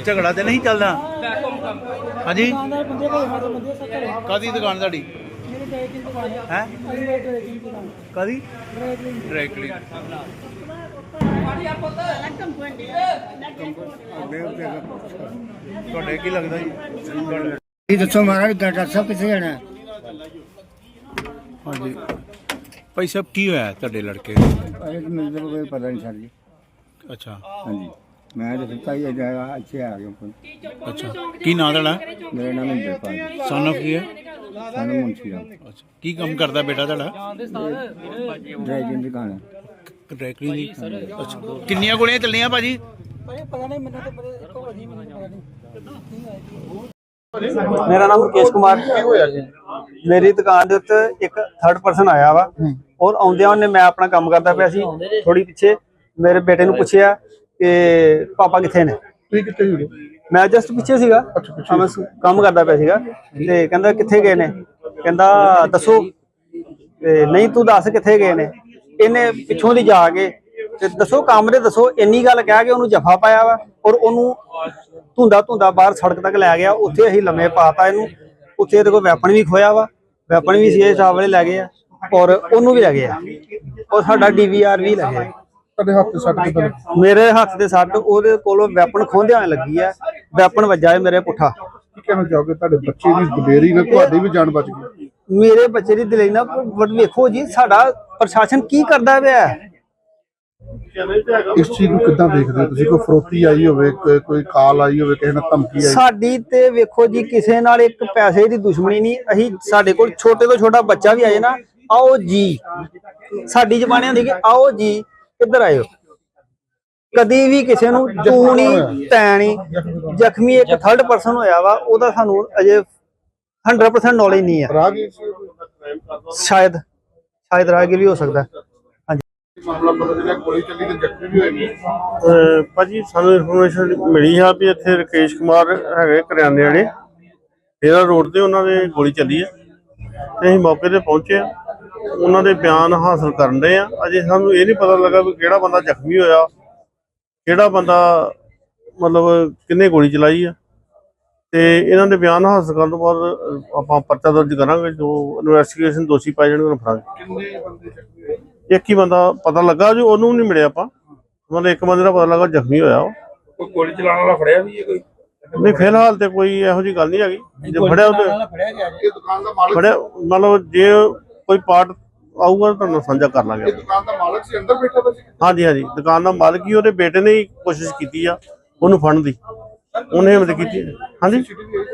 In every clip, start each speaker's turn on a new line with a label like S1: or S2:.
S1: झगड़ा तो नहीं चलता? हाँ जी, कदी दुकान साड़ी है कदी ड्राई क्लीन ਤੁਹਾਡੇ ਕੀ ਲੱਗਦਾ ਜੀ?
S2: ਇਹ ਦੱਸੋ ਮਹਾਰਾਜ ਡਾਕਟਰ ਸਾਹਿਬ ਕਿੱਥੇ ਜਾਣਾ?
S1: ਹਾਂਜੀ ਭਾਈ ਸਾਹਿਬ ਕੀ ਹੋਇਆ ਤੁਹਾਡੇ ਲੜਕੇ
S2: ਮੈਨੂੰ ਤਾਂ ਕੋਈ ਪਤਾ ਨਹੀਂ ਸਰ ਜੀ।
S1: ਅੱਛਾ
S2: ਹਾਂਜੀ ਮੈਂ ਤਾਂ ਸੁੱਤਾ ਹੀ ਜਾਇਆ ਇੱਥੇ ਆ ਗਿਆ।
S1: ਅੱਛਾ ਕੀ ਨਾਂ ਤੁਹਾਡਾ?
S2: ਮੇਰਾ ਨਾਮ ਇੰਦਰਪਾਲ
S1: ਸਨ ਆਫ ਕੀ ਹੈ?
S2: ਸਾਨੂੰ ਮੁੰਸ਼ੀ ਰਾਮ।
S1: ਅੱਛਾ ਕੀ ਕੰਮ ਕਰਦਾ ਬੇਟਾ ਤੁਹਾਡਾ?
S2: ਡਰਾਈਵਿੰਗ ਦੀ ਦੁਕਾਨ
S1: ਡਰਾਈ ਕਲੀਨ ਦੀ। ਅੱਛਾ ਕਿੰਨੀਆਂ ਗੋਲੀਆਂ ਚੱਲੀਆਂ ਭਾਜੀ?
S2: ਪਤਾ ਨਹੀਂ ਮੈਨੂੰ ਤਾਂ ਇੱਕੋ ਵਜੀ ਮੈਨੂੰ ਪਤਾ ਨਹੀਂ।
S3: मेरा नाम मुकेश कुमार। मेरी दुकान के उत्ते एक थर्ड पर्सन आया वा और आउंदियां उन्हें मैं अपना काम करता पिया सी थोड़ी पिछे मेरे बेटे नूं पुछया कि पापा किथे ने। मैं जस्ट पिछे सीगा मैं काम करता पिया सीगा ते कहंदा किथे गए ने। कहंदा दसो नहीं तू दस किथे गए ने। इन्हें पिछों दी जाके ते दसो कमरे दसो इन्नी गल कह के उन्होंने जफा पाया वा और उन्होंने धुंदा धुंदा बाहर सड़क तक लै गया। उत्थे असीं लम्मे पाता इनू। उत्थे इहदे कोल वैपन भी खोया वा, वैपन भी सीए साहब वाले लै गए और उन्होंने भी लै गए और साडा DVR भी लै गए। मेरे हत्थ ते सट ओहदे कोलों वैपन खोंदियां लगी है। वैपन वज्जा है मेरे पुट्ठा।
S4: कहना चाहोगे तुहाडे बच्चे दी दलेरी नाल तुहाडी भी जान बच गई?
S3: मेरे बच्चे दी दलेरी नाल वेखो जी साडा प्रशासन की करदा पिया है।
S4: इस चीज को कितना देखते हो तुसीं? कोई फरोती आई होवे, कोई कॉल आई होवे, किसी ने धमकी आई?
S3: साडी ते वेखो जी किसे नाल एक पैसे दी दुश्मनी नहीं। अहीं साडे कोल छोटे तो छोटा बच्चा भी आए ना आओ जी साडी जबाने होंदी कि आओ जी किधर आए हो। कदी भी किसी नूं तू नहीं तै नहीं। जख्मी एक थर्ड पर्सन होया वा ओदा सानू अजे 100% नॉलेज नहीं है। शायद राहगीर भी हो सकता है।
S5: ਭਾਜੀ ਸਾਨੂੰ ਇਨਫੋਰਮੇਸ਼ਨ ਮਿਲੀ ਆ ਵੀ ਇੱਥੇ ਰਕੇਸ਼ ਕੁਮਾਰ ਹੈਗੇ ਕਰਿਆਨੇ ਵਾਲੇ ਇਹਦਾ ਰੋਡ ਤੇ ਉਹਨਾਂ ਦੇ ਗੋਲੀ ਚੱਲੀ ਆ ਤੇ ਅਸੀਂ ਮੌਕੇ ਤੇ ਪਹੁੰਚੇ ਆ। ਉਹਨਾਂ ਦੇ ਬਿਆਨ ਹਾਸਲ ਕਰਨ ਦੇ ਆ। ਅਜੇ ਸਾਨੂੰ ਇਹ ਨਹੀਂ ਪਤਾ ਲੱਗਾ ਵੀ ਕਿਹੜਾ ਬੰਦਾ ਜ਼ਖਮੀ ਹੋਇਆ, ਕਿਹੜਾ ਬੰਦਾ ਮਤਲਬ ਕਿੰਨੇ ਗੋਲੀ ਚਲਾਈ ਆ। ਤੇ ਇਹਨਾਂ ਦੇ ਬਿਆਨ ਹਾਸਲ ਕਰਨ ਤੋਂ ਬਾਅਦ ਆਪਾਂ ਪਰਚਾ ਦਰਜ ਕਰਾਂਗੇ। ਜੋ ਇਨਵੈਸਟੀਗੇਸ਼ਨ ਦੋਸ਼ੀ ਪਾਏ ਜਾਣਗੇ ਉਹਨਾਂ ਨੂੰ ਫੜਾਂਗੇ। एक ही बंदा पता लगा जो ओनू नहीं मिले आप मतलब एक बंदे का पता लगा जख्मी होया वो गोली चलाने वाला फड़िया भी है कोई नहीं। फिलहाल तो कोई इहो जी गल नहीं हैगी। जो फड़िया फड़िया मतलब जे कोई पार्ट आऊगा तो साझा कर लांगे। हाँ जी हाँ जी दुकान का मालिक ही ओहदे बेटे ने ही कोशिश की ओनू फड़न दी उन्हें मतलब की। हाँ जी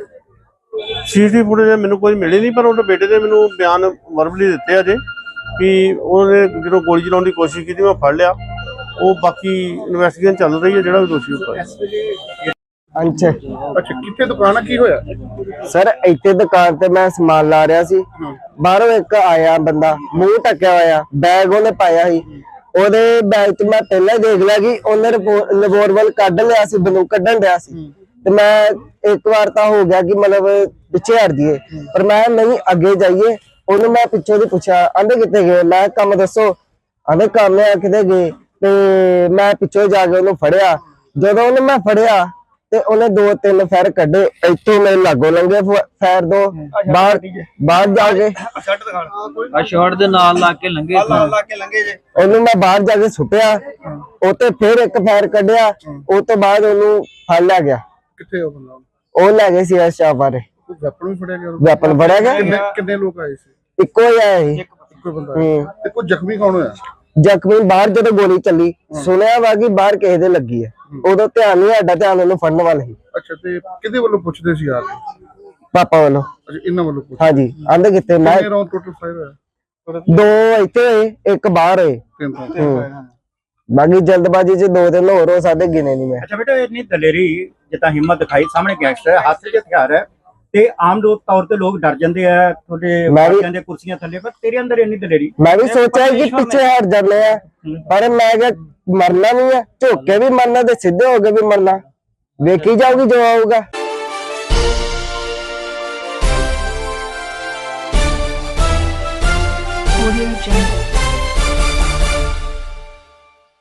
S5: CCTV फुटेज मैनू कोई मिली नहीं पर उहदे बेटे ने मैनू बयान वर्बली दिते अजे भी उन्होंने जो गोली चलाने की कोशिश की मैं फड़ लिया। वो बाकी इन्वेस्टिगेशन चल रही है। जो भी दोषी होगा
S2: अच्छा
S4: कितने दुकान की होया
S2: सर? इतने दुकान ते मैं समान ला रहा सी। बाहरों एक आया बंदा मुंह ढकिया होया बैग उन्हें पाया ही। ओदे बैग च मैं पहले देख लिया कि उन्हें रिवॉल्वर कढ़ लिया सी, बंदूक कढ़न दिया सी। ते मैं एक बार तो हो गया कि मतलब पिछे हट जाइए पर मैं नहीं अगे जाइए। ਉਹਨੂੰ मैं पिछों ਦੀ ਪੁੱਛਿਆ ਆਂਦੇ ਕਿੱਥੇ ਗਏ। मैं ਕੰਮ ਦੱਸੋ ਆਂਦੇ ਕੰਮ ਆ ਕਿਤੇ ਗਏ। ਤੇ ਮੈਂ ਪਿੱਛੋਂ ਜਾ ਕੇ ਉਹਨੂੰ ਫੜਿਆ। ਜਦੋਂ ਉਹਨੇ ਮੈਂ ਫੜਿਆ ਤੇ ਉਹਨੇ 2-3 ਫੈਰ ਕੱਢੇ ਇੱਥੋਂ ਮੇਰੇ ਲਾਗੋਂ ਲੰਘੇ ਫੈਰ ਦੋ ਬਾਹਰ ਜਾ ਕੇ
S6: ਸ਼ਾਟ ਦੇ ਨਾਲ ਲਾ ਕੇ ਲੰਘੇ
S3: ਜੇ
S2: ਉਹਨੂੰ ਮੈਂ ਬਾਹਰ ਜਾ ਕੇ ਸੁੱਟਿਆ। ਉਹ ਤੇ ਫਿਰ ਇੱਕ ਫੈਰ ਕੱਢਿਆ। ਉਹ ਤੋਂ ਬਾਅਦ ਉਹਨੂੰ ਫੜ ਲਿਆ ਗਿਆ।
S4: ਕਿੱਥੇ ਉਹ ਬੰਦਾ?
S2: ਉਹ ਲੈ ਗਏ ਸੀ ਸ਼ਾਪ ਬਾਰੇ।
S4: ਵੈਪਨ ਵੀ ਫੜਿਆ ਗਿਆ?
S2: ਵੈਪਨ ਫੜਿਆ ਗਿਆ।
S4: ਕਿੰਨੇ ਲੋਕ ਆਏ ਸੀ?
S2: ਇੱਕੋ ਹੀ ਆਇਆ ਸੀ।
S4: ਇੱਕੋ ਬੰਦਾ ਤੇ ਕੋਈ ਜ਼ਖਮੀ ਕੌਣ ਹੋਇਆ?
S2: ਜ਼ਖਮੀ ਬਾਹਰ ਜਦੋਂ ਗੋਲੀ ਚੱਲੀ ਸੁਣਿਆ ਵਾ ਕਿ ਬਾਹਰ ਕਿਸੇ ਦੇ ਲੱਗੀ ਹੈ। ਉਦੋਂ ਧਿਆਨ ਨਹੀਂ ਸਾਡਾ ਧਿਆਨ ਉਹਨੂੰ ਫੜਨ ਵੱਲ ਸੀ।
S4: ਅੱਛਾ ਤੇ ਕਿਹਦੇ ਵੱਲੋਂ ਪੁੱਛਦੇ ਸੀ ਯਾਰ?
S2: ਪਾਪਾ ਵੱਲੋਂ।
S4: ਅੱਛਾ ਇਹਨਾਂ ਵੱਲੋਂ ਪੁੱਛ?
S2: ਹਾਂਜੀ ਆਂਦੇ ਕਿੱਥੇ ਮੈਂ
S4: ਕਿੰਨੇ ਰਾਉਂਡ ਟੋਟਲ ਫਾਇਰ ਹੋਇਆ?
S2: 2 ਇੱਥੇ ਹੋਏ ਇੱਕ ਬਾਹਰ ਹੋਏ।
S4: 3
S2: ਬਾਕੀ ਜਲਦਬਾਜ਼ੀ ਚ 2-3 ਹੋਰ ਹੋ ਸਕਦੇ ਗਿਣੇ ਨਹੀਂ ਮੈਂ।
S7: अच्छा बेटा इतनी दलेरी जितना हिम्मत दिखाई सामने गैंगस्टर है हाथ से हथियार है ते आम तौर ते लोग डर जाते हैं थोड़े कुर्सियां थले पर तेरे अंदर इतनी दलेरी।
S2: मैं भी सोचा कि पीछे हट जाने हैं पर मैं मरना नहीं है। झुक के भी मरना ते सीधे होके भी मरना। देखी जाओगी जो आऊगा।